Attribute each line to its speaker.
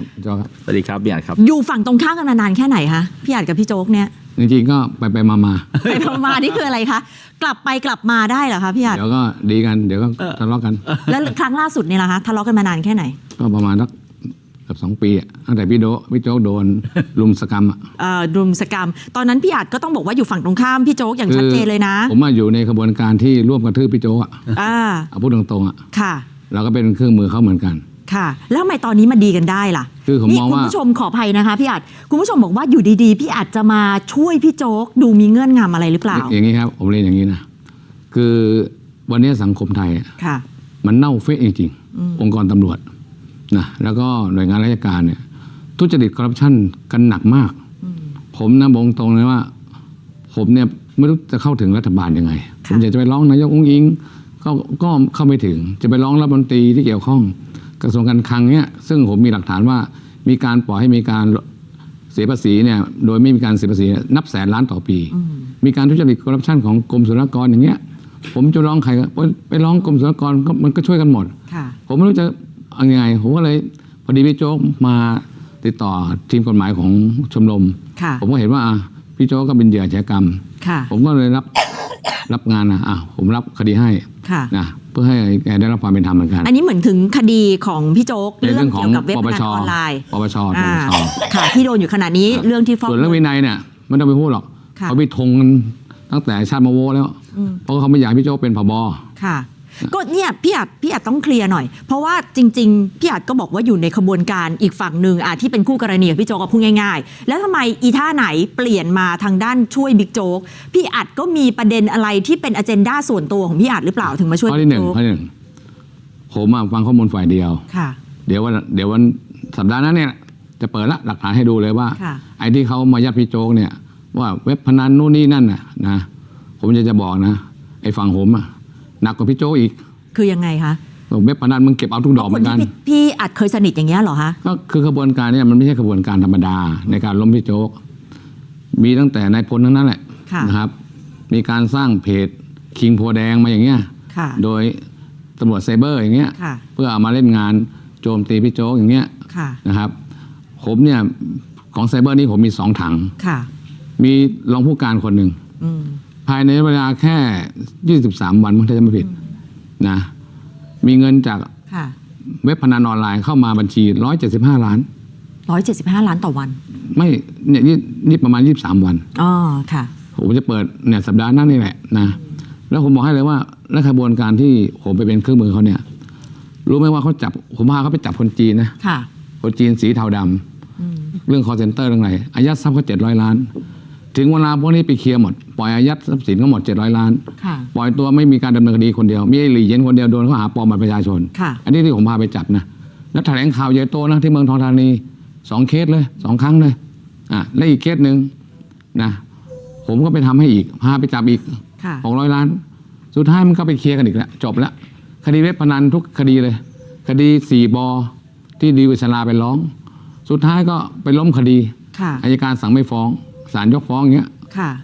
Speaker 1: จอครับ
Speaker 2: สวัสดีครับพี่อัดครับ
Speaker 3: อยู่ฝั่งตรงข้ามกันมานานแค่ไหนคะพี่อัดกับพี่โจ๊กเนี่ย
Speaker 1: จริงๆก็ไปมา
Speaker 3: มานี่คืออะไรคะกลับไปกลับมาได้เหรอคะพี่อัด
Speaker 1: เดี๋ยวก็ดีกันเดี๋ยวก็ทะเลาะกัน
Speaker 3: แล้วครั้งล่าสุดเนี่ยล่ะคะทะเลาะกันมานานแค่ไหน
Speaker 1: ก็ประมาณสักเกือบ2 ปีตั้งแต่พี่โจ๊กโดนลุมสกรรม
Speaker 3: รุมสกรรมตอนนั้นพี่อัดก็ต้องบอกว่าอยู่ฝั่งตรงข้ามพี่โจ๊กอย่างชัดเจนเลยนะ
Speaker 1: ผมมาอยู่ในกระบวนการที่ร่วมกระทืบพี่โจ๊กเอาพูดตรงๆ
Speaker 3: ค่ะ
Speaker 1: เราก็เป็นเครื่องมือเขาเหมือนกัน
Speaker 3: ค่ะแล้วทำไมตอนนี้มาดีกันได้ล่ะ
Speaker 1: คือผมมองว่า
Speaker 3: คุณผู้ชมขออภัยนะคะพี่อัดคุณผู้ชมบอกว่าอยู่ดีๆพี่อัดจะมาช่วยพี่โจ๊กดูมีเงื่อนงำอะไรหรือเปล่า
Speaker 1: อย่างนี้ครับผมเรียนอย่างนี้นะคือวันนี้สังคมไทยมันเน่าเฟะจริงๆองค์กรตำรวจนะแล้วก็หน่วยงานราชการเนี่ยทุจริตคอร์รัปชันกันหนักมากผมนะบอกตรงเลยว่าผมเนี่ยไม่รู้จะเข้าถึงรัฐบาลยังไงผมอยากจะไปร้องนายกอุ้งอิงก็เข้าไม่ถึงจะไปร้องรัฐมนตรีที่เกี่ยวข้องกระทรวงการคลังเนี่ยซึ่งผมมีหลักฐานว่ามีการปล่อยให้มีการเสียภาษีเนี่ยโดยไม่มีการเสียภาษีนับแสนล้านต่อปีมีการทุจริตคอร์รัปชันของกรมศุลกากรอย่างเงี้ยผมจะร้องใครไปร้องกรมศุลกากรมันก็ช่วยกันหมดผมไม่รู้จะยังไงผมก็เลยพอดีพี่โจ๊กมาติดต่อทีมกฎหมายของชมรมผมก็เห็นว่าพี่โจ๊กก็เป็นเหยื่ออาชญากรรมผมก็เลยรับงานผมรับคดีให้นะเพื่อให้แกได้รับความเป็นธรรมเหมือนกัน
Speaker 3: อันนี้เหมือนถึงคดีของพี่โจ๊กเรื่องเกี่ยวกับเว็บพนันออนไลน์
Speaker 1: ปปช
Speaker 3: ค่ะที่โดนอยู่ขณะนี้เรื่องที่ฟ้อง
Speaker 1: ส่วนเรื่องวินัยเนี่ยไม่ต้องไปพูดหรอกเขาไปทงกันตั้งแต่ชาติมาโวแล้วเพราะเขาไม่อยากพี่โจ๊กเป็นผบ.
Speaker 3: ค่ะก็เนี่ยพี่อัดต้องเคลียร์หน่อยเพราะว่าจริงๆพี่อัดก็บอกว่าอยู่ในขบวนการอีกฝั่งหนึ่งที่เป็นคู่กรณีกับพี่โจ๊กก็พูดง่ายๆแล้วทำไมอีท่าไหนเปลี่ยนมาทางด้านช่วยบิ๊กโจ๊กพี่อัดก็มีประเด็นอะไรที่เป็นอเจนดาส่วนตัวของพี่อัดหรือเปล่าถึงมาช่วย
Speaker 1: บิ๊กโจ๊กข้อที่หนึ่งผมฟังข้อมูลฝ่ายเดียวเดี๋ยววันสัปดาห์นั้นเนี่ยจะเปิดละหลักฐานให้ดูเลยว่าไอ้ที่เขามายัดพี่โจ๊กเนี่ยว่าเว็บพนันนู่นนี่นั่นนะผมจะบอกนะไอ้ฝั่งผมหนักกว่าพี่โจ๊กอีก
Speaker 3: คือยังไงคะ
Speaker 1: เว็บพนันมึงเก็บเอาทุกดอกเหมือนกัน
Speaker 3: พี่อัดเคยสนิทอย่างเงี้ยเหรอคะ
Speaker 1: ก็คือขบวนการเนี่ยมันไม่ใช่ขบวนการธรรมดาในการล้มพี่โจ๊กมีตั้งแต่นายพลทั้งนั้นแหละนะครับมีการสร้างเพจคิงโพแดงมาอย่างเงี้ยโดยตำรวจไซเบอร์อย่างเงี้ยเพื่อเอามาเล่นงานโจมตีพี่โจ๊กอย่างเงี้ยนะครับผมเนี่ยของไซเบอร์นี่ผมมี2 ถังมีรองผู้การคนหนึ่งภายในเวลาแค่23 วันถ้าจะไม่ผิดนะมีเงินจากเว็บพนันออนไลน์เข้ามาบัญชี175 ล้าน
Speaker 3: 175 ล้านต่อวัน
Speaker 1: ไม่เนี่ยนี่ประมาณ23 วัน
Speaker 3: ค่ะ
Speaker 1: ผมจะเปิดเนี่ยสัปดาห์หน้านี่แหละนะแล้วผมบอกให้เลยว่าและขบวนการที่ผมไปเป็นเครื่องมือเขาเนี่ยรู้ไหมว่าเขาจับผมพาเขาไปจับคนจีนนะคนจีนสีเทาดำเรื่อง call center เรื่องอะไรอายัดทรัพย์เขา700 ล้านถึงเวลาพวกนี้ไปเคลียร์หมดปล่อยอายัดทรัพย์สินก็หมด700 ล้านปล่อยตัวไม่มีการดำเนินคดีคนเดียวมีไอ้หลี่เย็นคนเดียวโดนข้อหาปลอมบัตรประชาชนอันนี้ที่ผมพาไปจับนะแล้วแถลงข่าวใหญ่โตนะที่เมืองทองธานี2 เคสเลย2 ครั้งเลยและอีกเคสหนึ่งนะผมก็ไปทำให้อีกพาไปจับอีก600 ล้านสุดท้ายมันก็ไปเคลียร์กันอีกแล้วจบแล้วคดีเว็บพนันทุกคดีเลยคดี4 บ.ที่ดีวิศราไปร้องสุดท้ายก็ไปล้มคดีอัยการสั่งไม่ฟ้องศาลยกฟ้องอย่างเงี้ย